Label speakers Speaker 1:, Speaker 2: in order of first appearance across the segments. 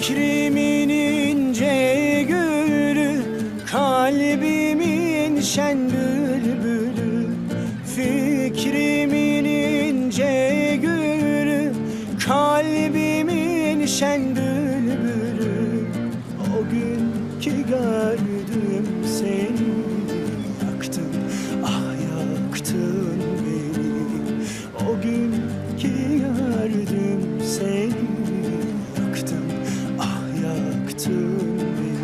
Speaker 1: Fikrimin ince gülü, kalbimin şen bülbülü. Fikrimin ince gülü, kalbimin şen bülbülü. O gün ki gördüm seni, yaktın, ah yaktın beni. O gün ki gördüm seni, yaktın, ah yaktın beni.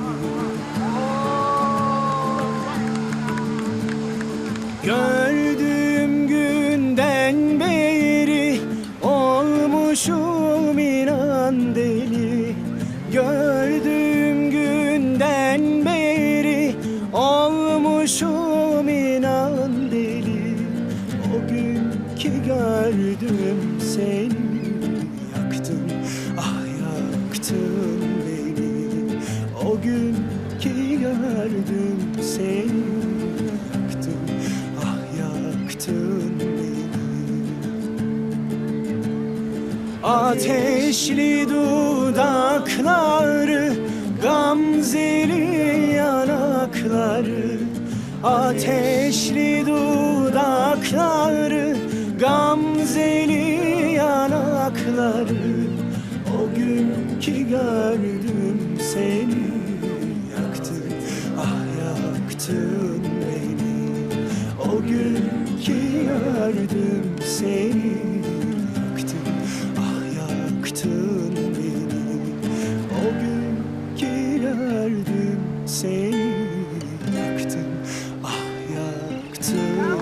Speaker 1: Gördüğüm günden beri olmuşum inan deli. Gördüğüm günden beri olmuşum inan deli. O gün ki gördüm seni, yaktın, ah yaktın beni. O gün ki gördüm seni, yaktın, ah yaktın beni. Ateşli dudakları, gamzeli yanakları. Ateşli dudakları, gamzeli yanakları. O gün ki gördüm seni, yaktın, ah yaktın beni. O gün ki gördüm seni, yaktın, ah yaktın beni. O gün ki gördüm seni, yaktın, ah yaktın.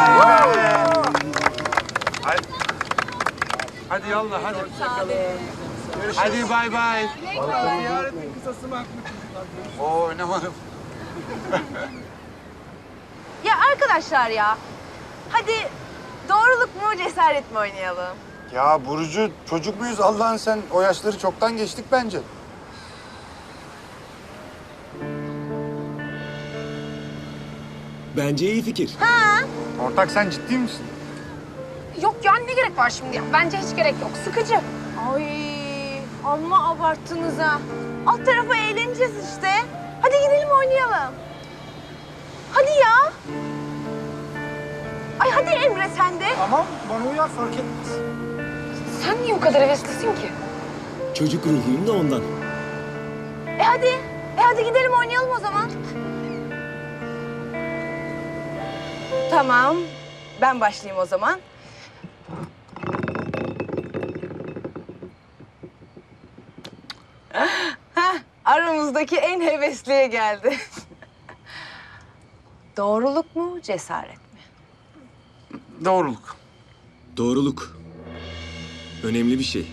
Speaker 2: Hadi yallah hadi. Hadi bay bay. Ziyaretin kısası mı? Oo oynamadım.
Speaker 3: Ya arkadaşlar ya, hadi doğruluk mu cesaret mi oynayalım?
Speaker 2: Ya Burcu çocuk muyuz Allah'ın sen? O yaşları çoktan geçtik bence.
Speaker 1: Bence iyi fikir.
Speaker 2: Ortak sen ciddi misin?
Speaker 4: Yok ya ne gerek var şimdi ya? Bence hiç gerek yok. Sıkıcı.
Speaker 3: Ay amma abarttınız ha. Alt tarafa eğleneceğiz işte. Hadi gidelim oynayalım. Hadi ya. Ay hadi Emre sen de.
Speaker 2: Tamam bana uyar fark etmez.
Speaker 4: Sen niye o kadar heveslisin ki?
Speaker 1: Çocuk ruhuyum da ondan.
Speaker 3: Hadi. Hadi gidelim oynayalım o zaman. Tamam. Ben başlayayım o zaman. Heh, aramızdaki en hevesliye geldi. Doğruluk mu, cesaret mi?
Speaker 2: Doğruluk.
Speaker 1: Doğruluk. Önemli bir şey.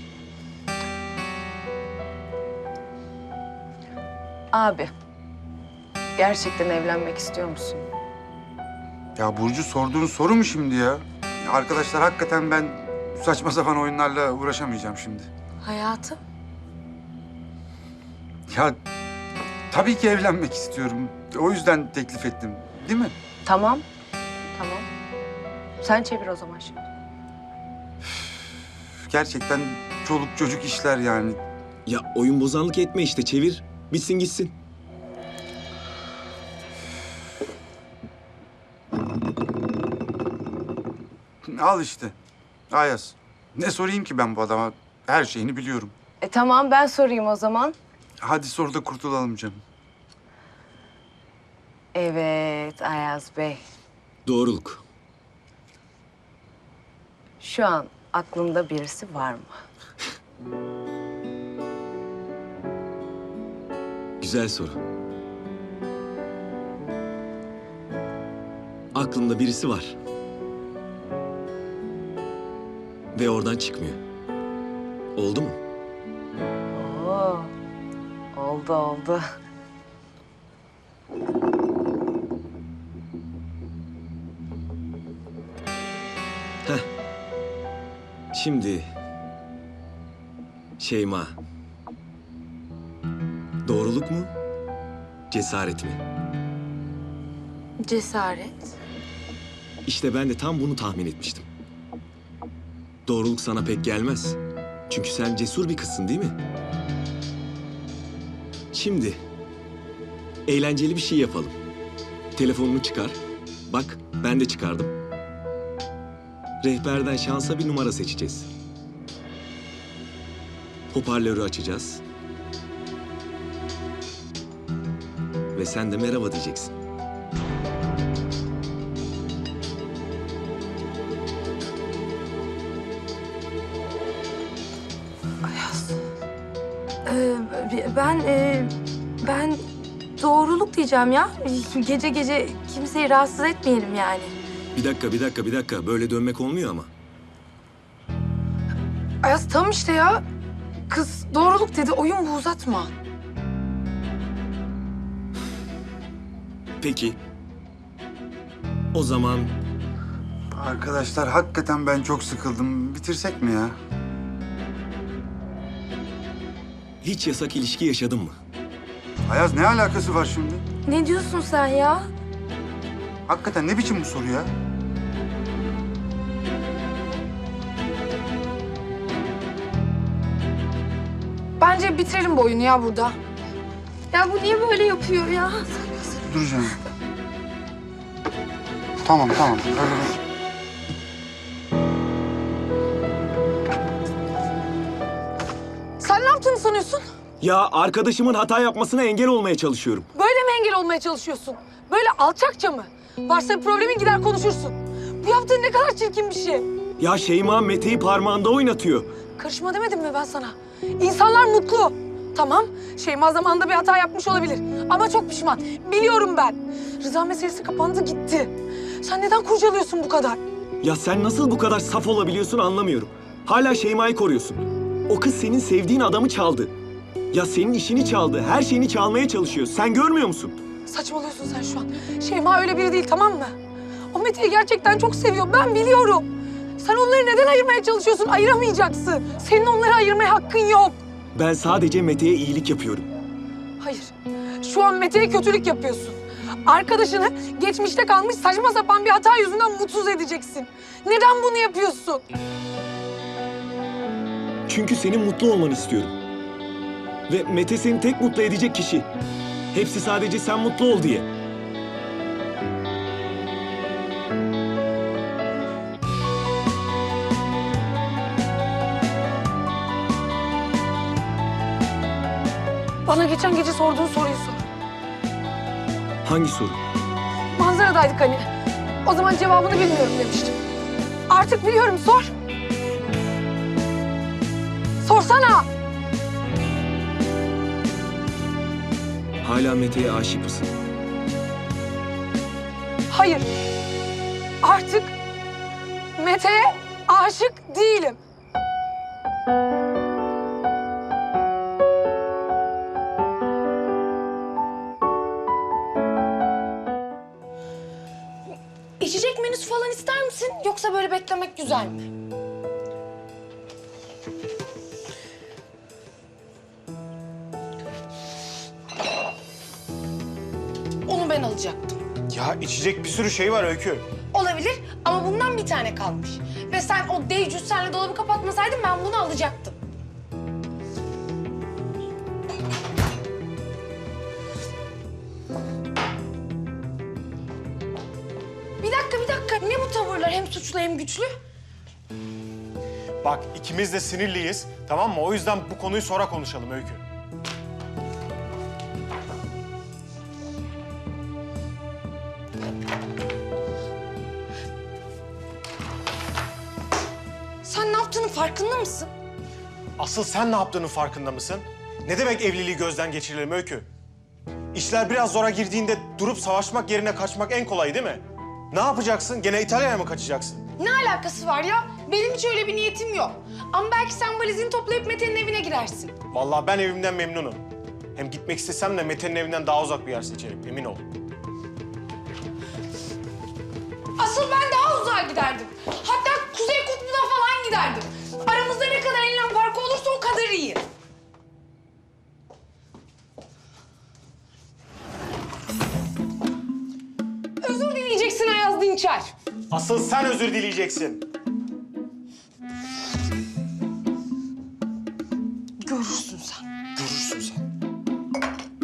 Speaker 3: Abi, gerçekten evlenmek istiyor musun?
Speaker 2: Ya Burcu sorduğun soru mu şimdi ya? Arkadaşlar hakikaten ben saçma sapan oyunlarla uğraşamayacağım şimdi.
Speaker 3: Hayatım?
Speaker 2: Ya tabii ki evlenmek istiyorum. O yüzden teklif ettim. Değil mi?
Speaker 3: Tamam. Tamam. Sen çevir o zaman şimdi.
Speaker 2: Gerçekten çoluk çocuk işler yani.
Speaker 1: Ya oyun bozanlık etme işte, çevir. Bitsin gitsin.
Speaker 2: Al işte. Ayaz. Ne sorayım ki ben bu adama? Her şeyini biliyorum.
Speaker 3: Tamam ben sorayım o zaman.
Speaker 2: Hadi sor da kurtulalım canım.
Speaker 3: Evet Ayaz Bey.
Speaker 1: Doğruluk.
Speaker 3: Şu an aklında birisi var mı?
Speaker 1: Güzel soru. Aklımda birisi var. Ve oradan çıkmıyor. Oldu mu?
Speaker 3: Oo. Oldu oldu.
Speaker 1: Heh. Şimdi Şeyma. Doğruluk mu? Cesaret mi?
Speaker 4: Cesaret.
Speaker 1: İşte ben de tam bunu tahmin etmiştim. Doğruluk sana pek gelmez. Çünkü sen cesur bir kızsın değil mi? Şimdi eğlenceli bir şey yapalım. Telefonunu çıkar. Bak ben de çıkardım. Rehberden şansa bir numara seçeceğiz. Hoparlörü açacağız. Ve sen de merhaba diyeceksin.
Speaker 5: Ben doğruluk diyeceğim ya. Gece gece kimseyi rahatsız etmeyelim yani.
Speaker 1: Bir dakika. Böyle dönmek olmuyor ama.
Speaker 4: Ayaz tam işte ya. Kız doğruluk dedi, oyun bu, uzatma.
Speaker 1: Peki. O zaman
Speaker 2: Arkadaşlar hakikaten ben çok sıkıldım. Bitirsek mi ya?
Speaker 1: hiç yasak ilişki yaşadın mı?
Speaker 2: Ayaz ne alakası var şimdi?
Speaker 5: Ne diyorsun sen ya?
Speaker 2: Hakikaten ne biçim bu soru ya?
Speaker 4: Bence bitirelim bu oyunu ya burada.
Speaker 5: Ya bu niye böyle yapıyor ya?
Speaker 2: Duracağım. Tamam. Öyle bir...
Speaker 4: Sen ne yaptığını sanıyorsun?
Speaker 1: Ya arkadaşımın hata yapmasına engel olmaya çalışıyorum.
Speaker 4: Böyle mi engel olmaya çalışıyorsun? Böyle alçakça mı? Varsa bir problemin gider konuşursun. Bu yaptığın ne kadar çirkin bir şey.
Speaker 1: Ya Şeyma Mete'yi parmağında oynatıyor.
Speaker 4: Karışma demedim mi ben sana? İnsanlar mutlu. Tamam, Şeyma zamanında bir hata yapmış olabilir. Ama çok pişman. Biliyorum ben. Rıza meselesi kapandı gitti. Sen neden kurcalıyorsun bu kadar?
Speaker 1: Ya sen nasıl bu kadar saf olabiliyorsun anlamıyorum. Hala Şeyma'yı koruyorsun. O kız senin sevdiğin adamı çaldı. Ya senin işini çaldı, her şeyini çalmaya çalışıyor. Sen görmüyor musun?
Speaker 4: Saçmalıyorsun sen şu an. Şeyma öyle biri değil, tamam mı? O Mete'yi gerçekten çok seviyor, ben biliyorum. Sen onları neden ayırmaya çalışıyorsun? Ayıramayacaksın. Senin onları ayırmaya hakkın yok.
Speaker 1: Ben sadece Mete'ye iyilik yapıyorum.
Speaker 4: Hayır, şu an Mete'ye kötülük yapıyorsun. Arkadaşını geçmişte kalmış saçma sapan bir hata yüzünden mutsuz edeceksin. Neden bunu yapıyorsun?
Speaker 1: Çünkü senin mutlu olmanı istiyorum. Ve Mete seni tek mutlu edecek kişi. Hepsi sadece sen mutlu ol diye.
Speaker 4: Bana geçen gece sorduğun soruyu sor.
Speaker 1: Hangi soru?
Speaker 4: Manzaradaydık hani. O zaman cevabını bilmiyorum demiştim. Artık biliyorum, sor. Sorsana.
Speaker 1: Hala Mete'ye aşık mısın?
Speaker 4: Hayır. Artık Mete'ye aşık değilim. İçecek menüsü falan ister misin? Yoksa böyle beklemek güzel mi? Onu ben alacaktım.
Speaker 6: Ya içecek bir sürü şey var Öykü.
Speaker 4: Olabilir ama bundan bir tane kalmış. Ve sen o dev cüssenle dolabı kapatmasaydın ben bunu alacaktım. Bir dakika. Ne bu tavırlar? Hem suçlu hem güçlü.
Speaker 6: Bak ikimiz de sinirliyiz, tamam mı? O yüzden bu konuyu sonra konuşalım Öykü.
Speaker 4: Sen ne yaptığının farkında mısın?
Speaker 6: Asıl sen ne yaptığının farkında mısın? Ne demek evliliği gözden geçirelim Öykü? İşler biraz zora girdiğinde durup savaşmak yerine kaçmak en kolay değil mi? Ne yapacaksın? Gene İtalya'ya mı kaçacaksın?
Speaker 4: Ne alakası var ya? Benim hiç öyle bir niyetim yok. Ama belki sen valizini toplayıp Mete'nin evine gidersin.
Speaker 6: Vallahi ben evimden memnunum. Hem gitmek istesem de Mete'nin evinden daha uzak bir yer seçerim, emin ol.
Speaker 4: Asıl ben daha uzağa giderdim. Hatta Kuzey Kutbu'na falan giderdim. Aramızda ne kadar enlem farkı olursa o kadar iyi. Özür dileyeceksin Ayaz Dinçer.
Speaker 6: Asıl sen özür dileyeceksin.
Speaker 4: Görürsün sen.
Speaker 6: Görürsün sen.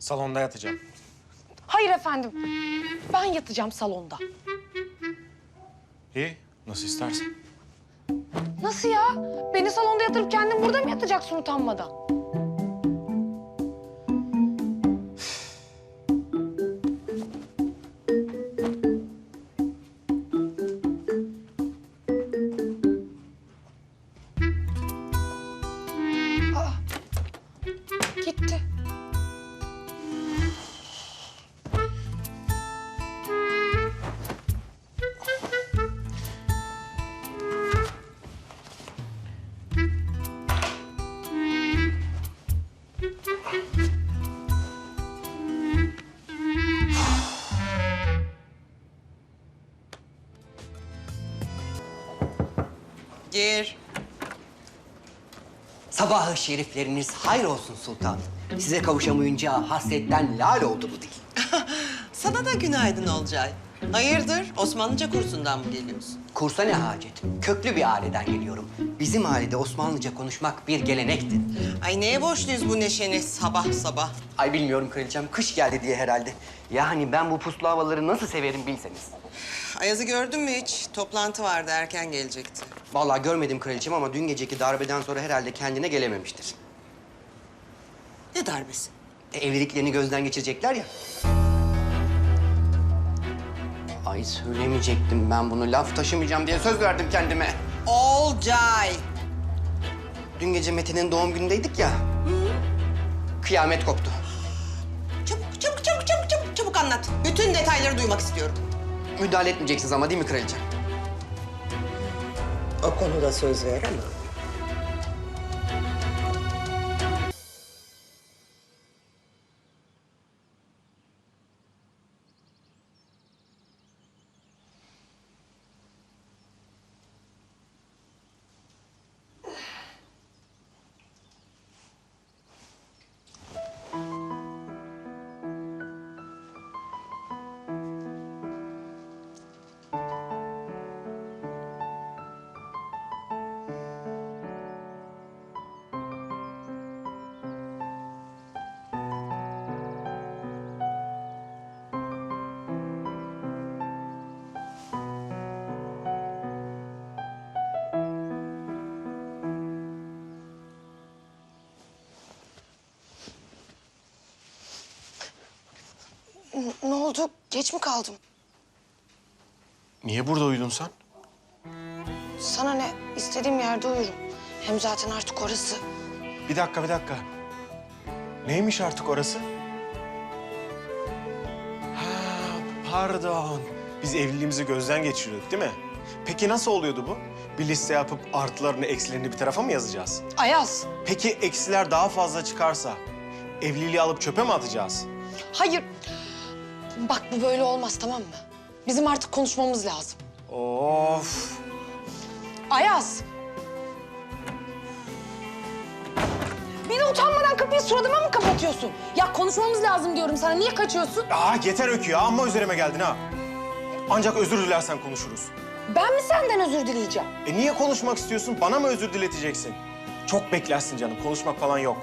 Speaker 6: Salonda yatacağım.
Speaker 4: Hayır efendim. Ben yatacağım salonda.
Speaker 6: İyi, nasıl istersen.
Speaker 4: Nasıl ya? Beni salonda yatırıp kendin burada mı yatacaksın utanmadan? Aa, gitti.
Speaker 7: Gir. Sabahı şerifleriniz hayır olsun sultanım. Size kavuşamayınca hasretten lal oldu bu dil.
Speaker 8: Sana da günaydın Olcay. Hayırdır? Osmanlıca kursundan mı geliyorsun?
Speaker 7: Kursa ne hacet? Köklü bir aileden geliyorum. Bizim ailede Osmanlıca konuşmak bir gelenektir.
Speaker 8: Ay neye borçluyuz bu neşeni sabah sabah?
Speaker 7: Ay bilmiyorum kraliçem, kış geldi diye herhalde. Yani ben bu puslu havaları nasıl severim bilseniz.
Speaker 8: Ayaz'ı gördün mü hiç? Toplantı vardı, erken gelecekti.
Speaker 7: Vallahi görmedim kraliçem ama dün geceki darbeden sonra herhalde kendine gelememiştir.
Speaker 8: Ne darbesi?
Speaker 7: Evliliklerini gözden geçirecekler ya. Ay söylemeyecektim ben bunu. Laf taşımayacağım diye söz verdim kendime.
Speaker 8: Olcay!
Speaker 7: Dün gece Metin'in doğum günündeydik ya. Kıyamet koptu.
Speaker 8: Çabuk anlat. Bütün detayları duymak istiyorum.
Speaker 7: Müdahale etmeyeceksiniz ama değil mi kraliçem?
Speaker 8: O konuda söz veremem.
Speaker 4: Ne oldu? Geç mi kaldım?
Speaker 6: Niye burada uyudun sen?
Speaker 4: Sana ne? İstediğim yerde uyurum. Hem zaten artık orası.
Speaker 6: Bir dakika, bir dakika. Neymiş artık orası? Ha, pardon. Biz evliliğimizi gözden geçiriyorduk değil mi? Peki nasıl oluyordu bu? Bir liste yapıp artılarını, eksilerini bir tarafa mı yazacağız?
Speaker 4: Ayaz.
Speaker 6: Peki eksiler daha fazla çıkarsa evliliği alıp çöpe mi atacağız?
Speaker 4: Hayır. Bak bu böyle olmaz tamam mı? Bizim artık konuşmamız lazım.
Speaker 6: Of.
Speaker 4: Ayaz. Bir de utanmadan kapıyı suratıma mı kapatıyorsun? Ya konuşmamız lazım diyorum sana. Niye kaçıyorsun?
Speaker 6: Yeter Öykü ya. Amma üzerime geldin ha. Ancak özür dilersen konuşuruz.
Speaker 4: Ben mi senden özür dileyeceğim?
Speaker 6: Niye konuşmak istiyorsun? Bana mı özür dileteceksin? Çok beklersin canım. Konuşmak falan yok.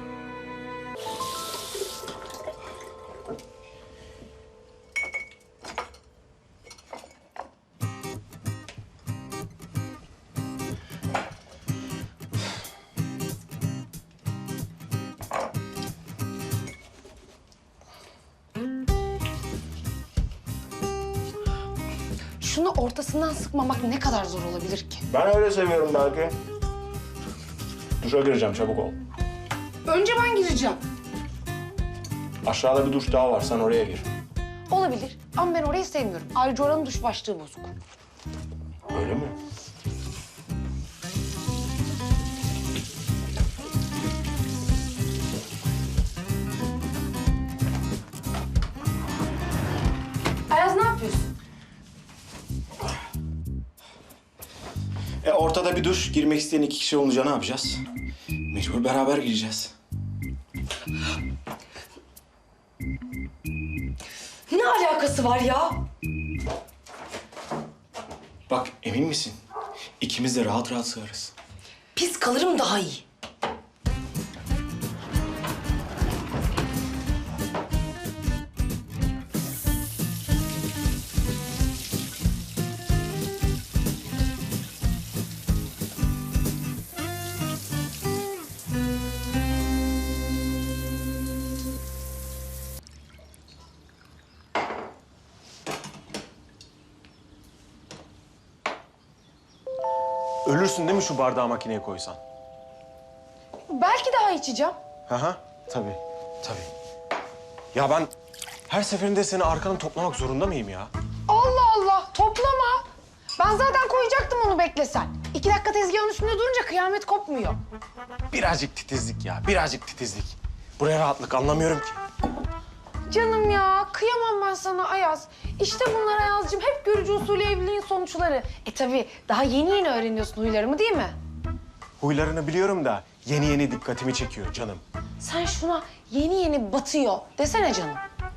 Speaker 4: Şunu ortasından sıkmamak ne kadar zor olabilir ki?
Speaker 6: Ben öyle seviyorum belki. Duşa gireceğim, çabuk ol.
Speaker 4: Önce ben gireceğim.
Speaker 6: Aşağıda bir duş daha var, sen oraya gir.
Speaker 4: Olabilir ama ben orayı sevmiyorum. Ayrıca oranın duş başlığı bozuk.
Speaker 6: Öyle mi?
Speaker 4: Ayaz ne yapıyorsun?
Speaker 6: Ortada bir duş, girmek isteyen 2 kişi olunca ne yapacağız? Mecbur beraber gireceğiz.
Speaker 4: Ne alakası var ya?
Speaker 6: Bak, emin misin? İkimiz de rahat rahat sığarız.
Speaker 4: Pis kalırım daha iyi.
Speaker 6: Ölürsün değil mi şu bardağı makineye koysan?
Speaker 4: Belki daha içeceğim.
Speaker 6: Hı, tabii, tabii. Ya ben her seferinde seni arkanı toplamak zorunda mıyım ya?
Speaker 4: Allah Allah, toplama. Ben zaten koyacaktım onu beklesen. 2 dakika tezgahın üstünde durunca kıyamet kopmuyor.
Speaker 6: Birazcık titizlik ya, birazcık titizlik. Buraya rahatlık anlamıyorum ki.
Speaker 4: Canım ya, kıyamam ben sana Ayaz. İşte bunlar Ayaz'cığım, hep görücü usulü evliliğin sonuçları. Tabii daha yeni öğreniyorsun huylarımı değil mi?
Speaker 6: Huylarını biliyorum da yeni yeni dikkatimi çekiyor canım.
Speaker 4: Sen şuna yeni yeni batıyor desene canım.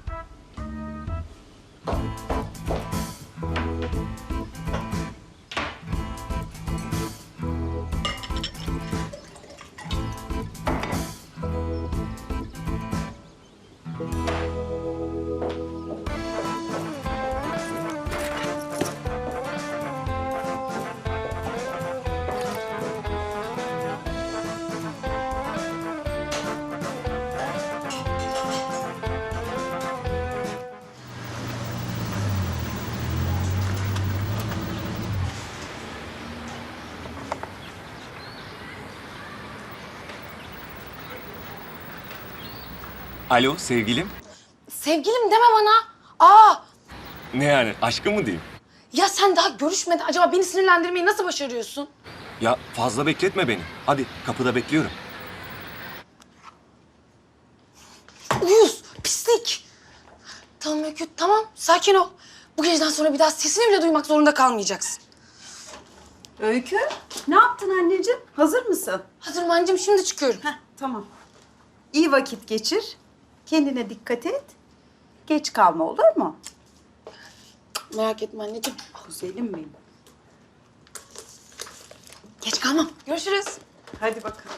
Speaker 9: Alo sevgilim.
Speaker 4: Sevgilim deme bana. Aa,
Speaker 9: Ne yani aşkım mı diyeyim?
Speaker 4: ya sen daha görüşmeden acaba beni sinirlendirmeyi nasıl başarıyorsun?
Speaker 9: Ya fazla bekletme beni. Hadi kapıda bekliyorum.
Speaker 4: Uyuz, pislik. Tamam Öykü, tamam. Sakin ol. Bu geceden sonra bir daha sesini bile duymak zorunda kalmayacaksın.
Speaker 10: Öykü, ne yaptın anneciğim? Hazır mısın?
Speaker 4: Hazırım anneciğim, şimdi çıkıyorum.
Speaker 10: Heh, tamam. İyi vakit geçir. Kendine dikkat et. Geç kalma, olur mu?
Speaker 4: Merak etme anneciğim.
Speaker 10: Güzelim benim.
Speaker 4: Geç kalmam. Görüşürüz.
Speaker 10: Hadi bakalım.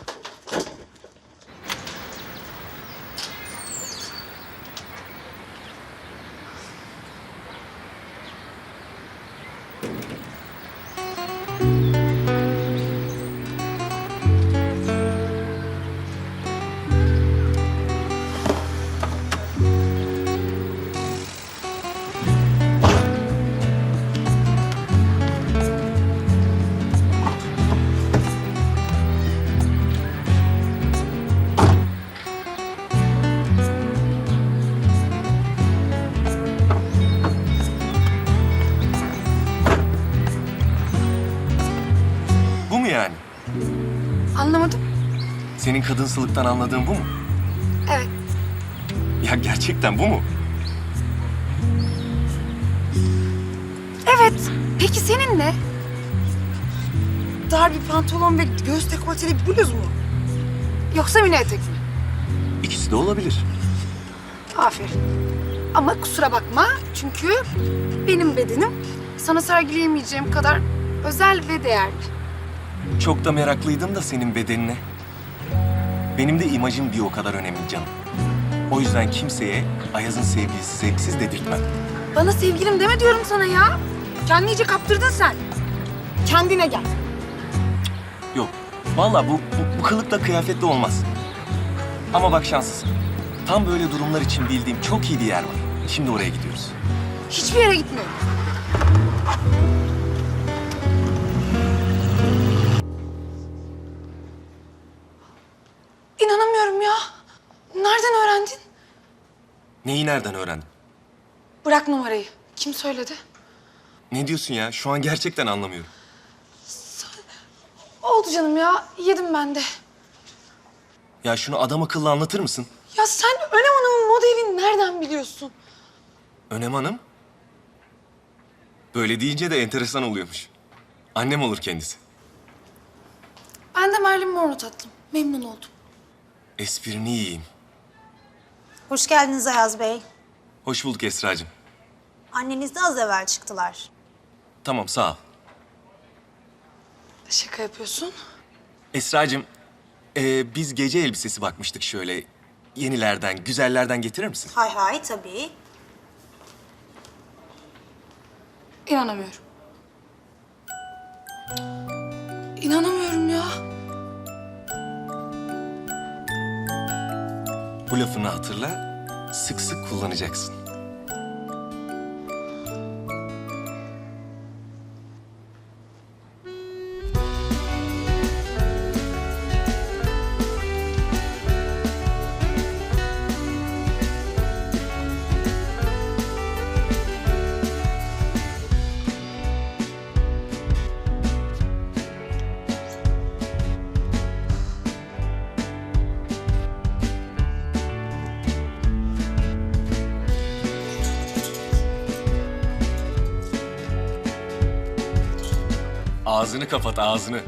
Speaker 9: Bu mu yani?
Speaker 4: Anlamadım.
Speaker 9: Senin kadınsılıktan anladığın bu mu?
Speaker 4: Evet.
Speaker 9: Ya gerçekten bu mu?
Speaker 4: Evet. Peki senin ne? Dar bir pantolon ve göğüs dekolteli bir bluz mu? Yoksa mini etek mi?
Speaker 9: İkisi de olabilir.
Speaker 4: Aferin. Ama kusura bakma çünkü benim bedenim sana sergileyemeyeceğim kadar özel ve değerli.
Speaker 9: Çok da meraklıydım da senin bedenine. Benim de imajım bir o kadar önemli canım. O yüzden kimseye Ayaz'ın sevgilisi zevksiz dedirtmem.
Speaker 4: Bana sevgilim deme diyorum sana ya. Kendini iyice kaptırdın sen. Kendine gel.
Speaker 9: Yok. Vallahi bu kılıkla kıyafetle olmaz. Ama bak şanslısın. Tam böyle durumlar için bildiğim çok iyi bir yer var. Şimdi oraya gidiyoruz.
Speaker 4: Hiçbir yere gitmiyorum. İnanamıyorum ya. Nereden öğrendin?
Speaker 9: Neyi nereden öğrendin?
Speaker 4: Bırak numarayı. Kim söyledi?
Speaker 9: Ne diyorsun ya? Şu an gerçekten anlamıyorum.
Speaker 4: Oldu canım ya. Yedim ben de.
Speaker 9: Ya şunu adam akıllı anlatır mısın?
Speaker 4: Ya sen Önem Hanım'ın moda evini nereden biliyorsun?
Speaker 9: Önem Hanım. Böyle deyince de enteresan oluyormuş. Annem olur kendisi.
Speaker 4: Ben de Merlin Monroe tatlım. Memnun oldum.
Speaker 9: Esprini yiyeyim.
Speaker 11: Hoş geldiniz Ayaz Bey.
Speaker 9: Hoş bulduk Esra'cığım.
Speaker 11: Anneniz de az evvel çıktılar.
Speaker 9: Tamam sağ ol.
Speaker 4: Şaka yapıyorsun.
Speaker 9: Esra'cığım, biz gece elbisesi bakmıştık şöyle. Yenilerden, güzellerden getirir misin?
Speaker 11: Hay hay tabii.
Speaker 4: İnanamıyorum. İnanamıyorum ya.
Speaker 9: Bu lafını hatırla, sık sık kullanacaksın. Ağzını kapat, ağzını.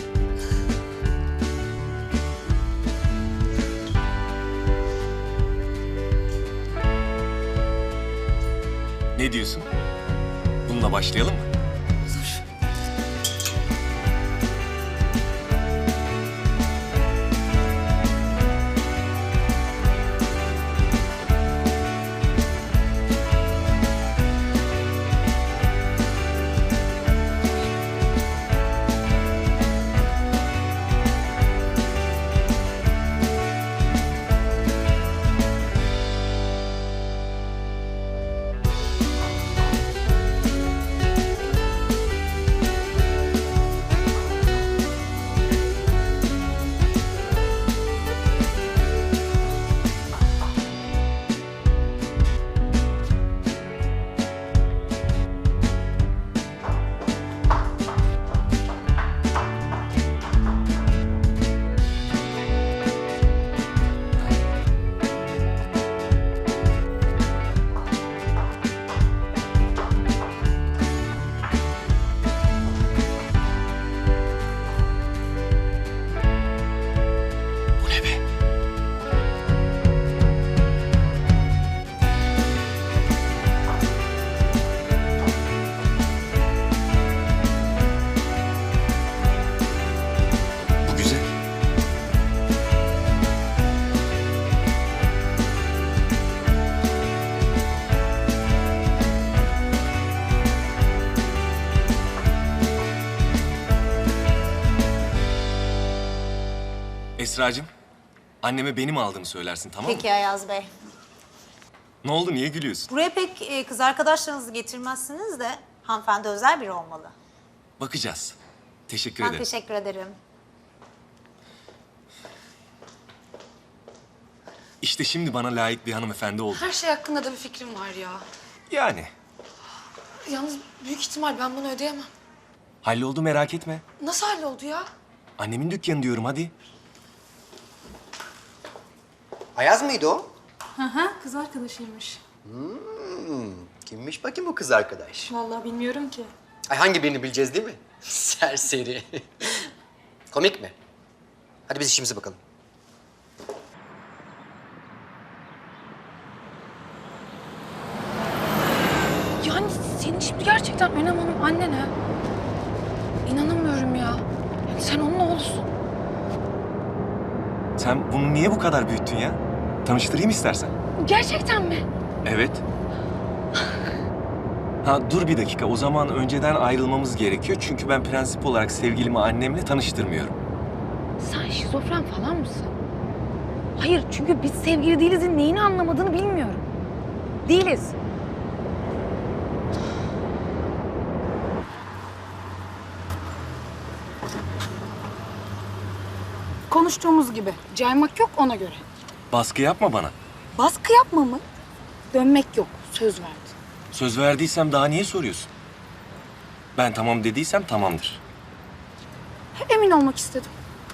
Speaker 9: Ne diyorsun? Bununla başlayalım mı? Bu güzel. Esracığım, anneme benim aldığımı söylersin, tamam mı?
Speaker 11: Peki Ayaz Bey.
Speaker 9: Ne oldu, niye gülüyorsun?
Speaker 11: Buraya pek kız arkadaşlarınızı getirmezsiniz de hanımefendi özel biri olmalı.
Speaker 9: Bakacağız. Teşekkür
Speaker 11: Ben
Speaker 9: ederim.
Speaker 11: teşekkür ederim.
Speaker 9: İşte şimdi bana layık bir hanımefendi oldu.
Speaker 4: Her şey hakkında da bir fikrim var ya.
Speaker 9: Yani.
Speaker 4: Yalnız büyük ihtimal ben bunu ödeyemem.
Speaker 9: Halloldu, merak etme.
Speaker 4: Nasıl halloldu ya?
Speaker 9: Annemin dükkanı diyorum, hadi.
Speaker 7: Ayaz mıydı o?
Speaker 5: Kız arkadaşıymış.
Speaker 7: Kimmiş bakayım bu kız arkadaş?
Speaker 5: Vallahi bilmiyorum ki.
Speaker 7: Ay hangi birini bileceğiz değil mi? Serseri. Komik mi? Hadi biz işimize bakalım.
Speaker 4: Yani senin şimdi gerçekten Önem Hanım annen ha? İnanamıyorum ya. Yani sen onun oğlusun.
Speaker 9: Sen bunu niye bu kadar büyüttün ya? Tanıştırayım istersen.
Speaker 4: Gerçekten mi?
Speaker 9: Evet. Ha dur bir dakika. O zaman önceden ayrılmamız gerekiyor. Çünkü ben prensip olarak sevgilimi annemle tanıştırmıyorum.
Speaker 4: Sen şizofren falan mısın? Hayır, çünkü biz sevgili değilizin neyini anlamadığını bilmiyorum. Değiliz.
Speaker 5: Konuştuğumuz gibi. Caymak yok ona göre.
Speaker 9: Baskı yapma bana.
Speaker 5: Baskı yapma mı? Dönmek yok. Söz verdi.
Speaker 9: Söz verdiysem daha niye soruyorsun? Ben tamam dediysem tamamdır.
Speaker 5: Emin olmak istedim.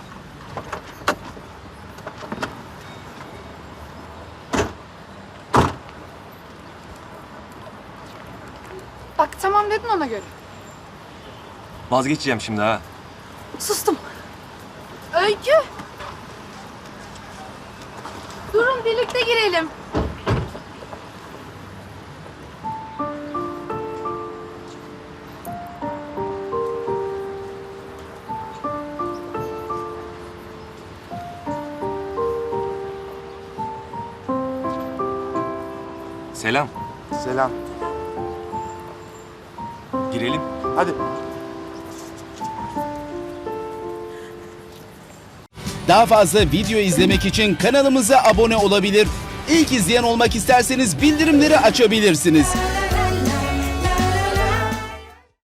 Speaker 5: Bak tamam dedin ona göre.
Speaker 9: Vazgeçeceğim şimdi ha.
Speaker 5: Sustum. Öykü. Durun birlikte girelim.
Speaker 9: Selam.
Speaker 2: Selam.
Speaker 9: Girelim.
Speaker 2: Hadi.
Speaker 12: Daha fazla video izlemek için kanalımıza abone olabilir. İlk izleyen olmak isterseniz bildirimleri açabilirsiniz.